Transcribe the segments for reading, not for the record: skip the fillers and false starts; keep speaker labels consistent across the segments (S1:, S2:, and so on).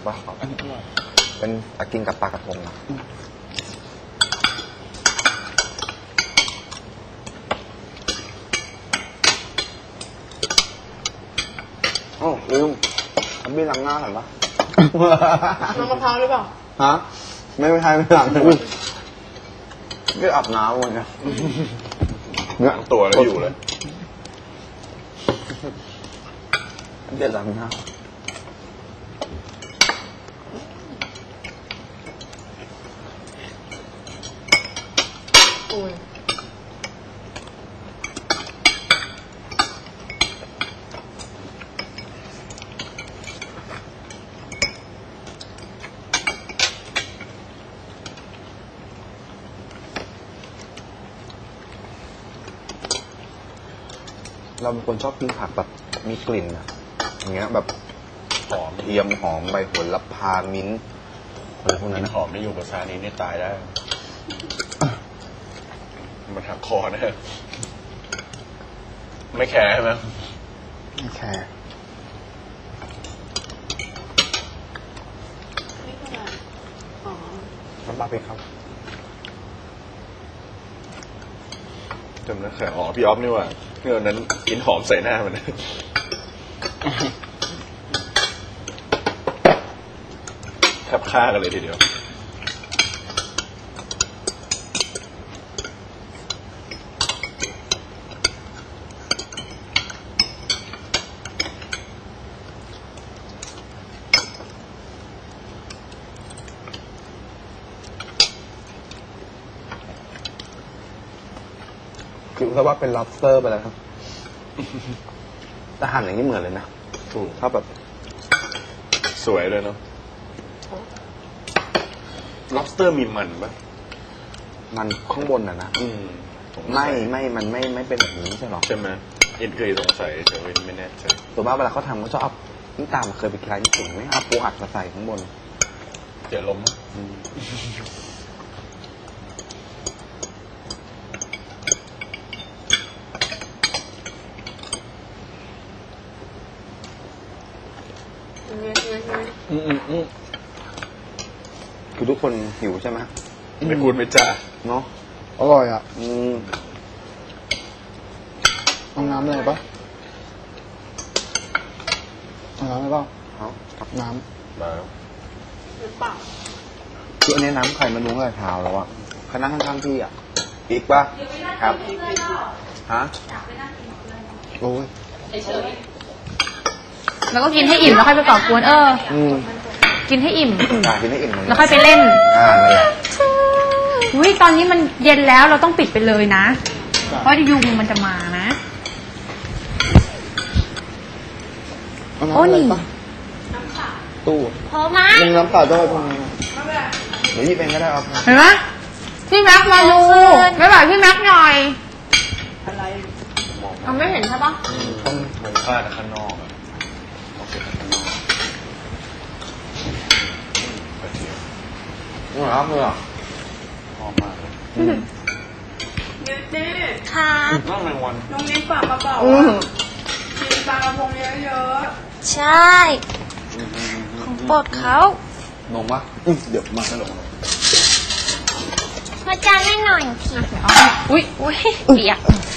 S1: ปะเป็นกินกับปลากระพงนะโอ้ลืมทำบี้ล้างหน้าหน่อยปะ
S2: น้ำมะพร้าวหรือเปล่า
S1: ฮะไม่ใช่ไม่ล้างไม่อาบน้ำเลยเนี่ย
S3: ล้างตัวแล้วอยู่เลย
S1: เดี๋ยวล้างหน้าเราเป็นคนชอบกินผักแบบมีกลิ่นอะอย่างเงี้ยแบบ
S3: หอม
S1: เทียมหอมใบโหระพามิ้นท์อะไรพวกนั้น
S3: หอมไม่อยู่กับซานี้นี่ตายได้มันหักคอนะไม่แคร์ใช่ไหม
S1: ไม่แคร์น้ำปลาพริกครับ
S3: จำได้แค่อ๋อพี่ออฟนี่ว่าเมื่อนั้นกินหอมใส่หน้ามันแทบฆ่ากันเลยทีเดียว
S1: คิดว่าเป็น lobster ไปแล้วครับแต่หั่นอย่างนี้เหมือนเลยนะ
S3: ถูก
S1: ถ้าแบบ
S3: สวยเลยเนาะ lobster มีมันปะ
S1: มันข้างบนอ่ะนะมันไม่เป็นแบบนี้ใช่หรอ
S3: ใช่ไหมอินเคยสงสัยแต่ว่าไม่แน่ใจ
S1: ตัวบ้าเวลาเขาทำเขาชอบเอานี่ตามเคยไปกินร้านญี่ปุ่นไม่เอาปูอัดมาใส่ข้างบน
S3: เดี๋ยวล้ม
S1: คือทุกคนหิวใช่ไหม
S3: ไม่พูดไม่จ้า
S1: เนาะอร่อยอ่ะเอาน้ำเลยปะเอาน้ำเลยปะเอากับน้ำ
S3: มา
S2: หรือเปล่า
S1: คืออันนี้น้ำไข่มันนุ่งเลยเท้าแล้วอ่ะคณะข้างๆพี่อ่ะอีกปะครับฮะโอ้ย
S4: แล้วก็กินให้อิ่มแล้วค่อยไปก่อกวนกินให้อิ่ม
S1: กินให้อิ่ม
S4: แล้วค่อยไปเล่น
S1: นั่นแหละ
S4: อุ้ยตอนนี้มันเย็นแล้วเราต้องปิดไปเลยนะเพราะยุงมันจะมานะ
S1: โอ้นี่ตู้
S4: พอไหม
S1: น้ำเปล่าจะไปพอเดี๋ยวยี่เป็นก็ได้เอา
S4: เห็นไหมพี่แม็กมาดูไม่ไหวพี่แม็กหน่อย
S2: อะไร
S4: เราไม่เห็นใช่ปะ
S3: ต้องมองผ้าข้างนอก
S1: ครับเลย
S3: หอมมากเลย
S2: นิวตี้
S4: ค่ะ
S3: น้องแมงวัน
S2: น้องนิ้ฝากมาบอกกินปลากระพงเยอะ
S4: ๆใช่ของโปรดเขา
S1: นมวะเดี๋ยวมาให้ลง
S4: พระจานให้หน่อยทีอุ้ยเปียก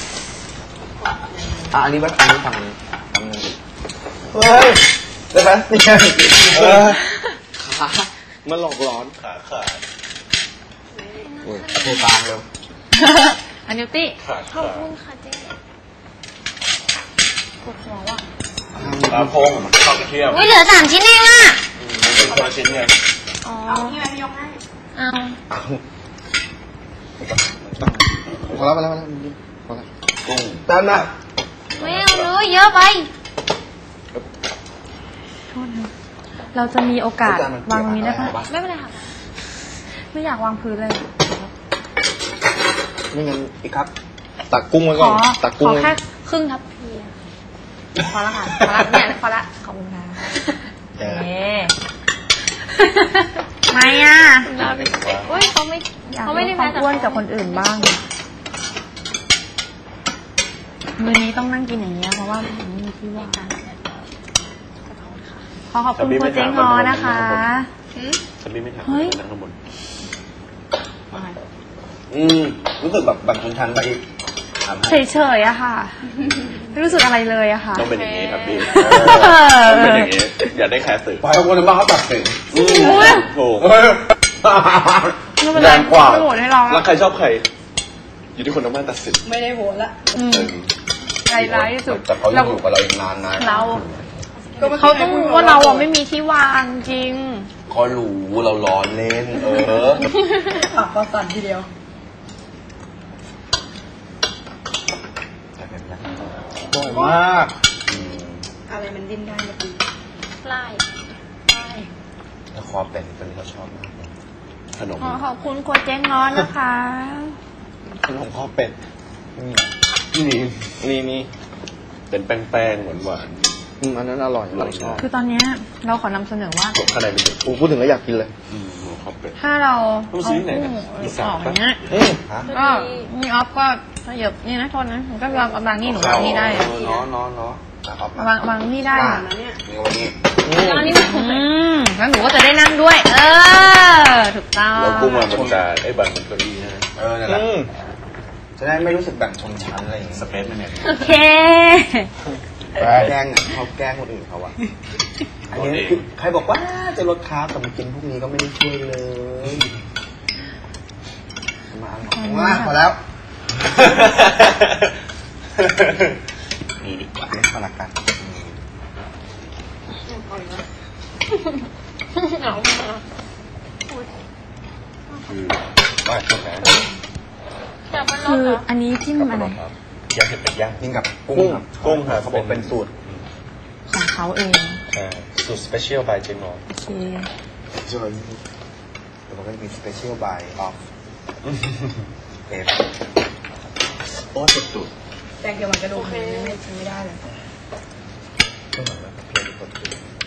S1: อันนี้บ้านอันนี้ทำเฮ้ยได้ไหมนี่ไงมันหลอกร้อน
S3: ขา
S1: โอ้ยโทรตามเร็ว
S4: อันนิวตี้
S3: ขอบ
S4: คุณค่ะเจ๊ปวดหัวว่ะ
S3: ปลาพงข้าวกระเทียม
S4: เหลือ3 ชิ้นเองอ่ะ
S3: เป็นคนละชิ้นไง
S2: เอาที่ไหนยกให้
S1: พอแล้วกุ้งตามนะ
S4: ไม่เอาเลยเยอะไปเราจะมีโอกาสวางตรงนี้ได้ไหมไม่เป็นไรค่ะไม่อยากวางพื้นเลย
S1: ไม่งั้นอีกครับตักกุ้งไว้ก่อนตักกุ้ง
S4: ขอแค่ครึ่งทัพพีพอละค่ะพอละเนี่ยพอละขอบคุณค่ะไม่อ่ะเขาไม่ได้ความอ้วนกับคนอื่นบ้างมื้อนี้ต้องนั่งกินอย่างเงี้ยเพราะว่าไม่มีที่ว่างขขอบคุณโคเจ๊งอนะคะ
S3: ฉันไม่ถาม
S4: เฮ้ย
S3: นั่งข้างบน
S1: รู้สึกแบบแบ่งชนชั้นไปอีกถามให้
S4: เฉยๆอะค่ะ ไม่รู้สึกอะไรเลยอะค่ะ
S3: ต้องเป็นอย่างนี้ครับพี่
S4: เออ
S3: ต้องเป็นอย่างนี้ อย่าได้แคร์สื่อ
S1: ปล่อยคนบ้าเขาตัดสิน
S3: ถูก
S4: ไม่เป็นไร
S1: แรงกว่า
S4: ไม่โหวตให้เรา
S3: แล้วใครชอบใคร อยู่ที่คนทางบ้านตัดสิน
S2: ไม่ได้โหวตละ
S4: อืมใจร้ายที่สุด
S1: แต่เขายังอยู่กับเราอีกนานนะ
S4: เรา
S2: ก็ไม่
S4: เขาต้องว่าเราอะไม่มีที่วางจริง
S1: เขารู้เราล้อเล่น
S2: ปากคอสั่นทีเดียว
S1: บ่อยมาก
S2: อะไรมันดิ้นได้เมื่อกี้
S4: ไล่
S1: แล้วคอเป็นตัวนี้เขาชอบมากเลย
S3: ขนม
S4: ขอบคุณโคเจ๊งอนนะคะ
S1: ขนมข้าวเป็ดนี่
S3: เป็นแป้งๆหวาน
S1: อันนั้นอร่อยเราชอบ
S4: คือตอนเนี้ยเราขอนำเสนอว่า
S3: ๆข้างในเป็น
S1: พูดถึงแล้วอยากกินเลย
S3: หมูข้าวเป็ด
S4: ถ้าเรา
S3: ต้อง
S4: เอา
S3: ซื้อที่ไหน
S4: กุ้
S3: นะ
S4: ง
S3: อี
S4: อ
S3: สาน
S4: อก
S3: ปะ
S4: อย่างเงี้ย
S1: ฮะ
S4: ก็มีออฟก็ขยับนี่นะโทษนะผมก็วางบางนี่หนูวางนี่ได้
S1: เนาะ
S4: วางนี่ได้
S2: นะเนี่ย
S1: นี่วันนี้
S4: แล้วนี่แล้วหนูก็จะได้นั่งด้วย ถูกต้อง
S3: แล้วกุ้งมาบนจานไอ้บันบนเก้าอี้นะ
S1: นั่นแหละจะได้ไม่รู้สึกแบ่งชนชั้นอะไรอย่างเงี้ย
S3: สเปซมันเนี่ย
S4: โอเค
S1: แกล้งเขาแกล้งคนอื่นเขาอะอันนี้คือใครบอกว่าจะลดคาร์บแต่มากินพวกนี้ก็ไม่ได้ช่วยเลยมาพอแล้ว นี่ดีกว่าไม่พอละกัน
S3: คือว่าใช่ไหม
S4: คืออันนี้จิ้มอะไร
S3: ย่างเห็ดเป็ดย่าง
S1: กินกับกุ้งครับ
S3: กุ้งครับ
S1: เขาบอกเป็นสูตร
S4: ของเขาเอง
S3: ใช่สูตรสเปเชียลบายเจนอ
S4: โอเค
S1: ส่วนแต่มันก็จะมีสเปเชียลบายออฟเอฟโอ้สุด
S2: แตงเกี่ยวกับกระดูกไม่ได้เลย
S3: ก็เหมือนว่าเพียงคนอื่น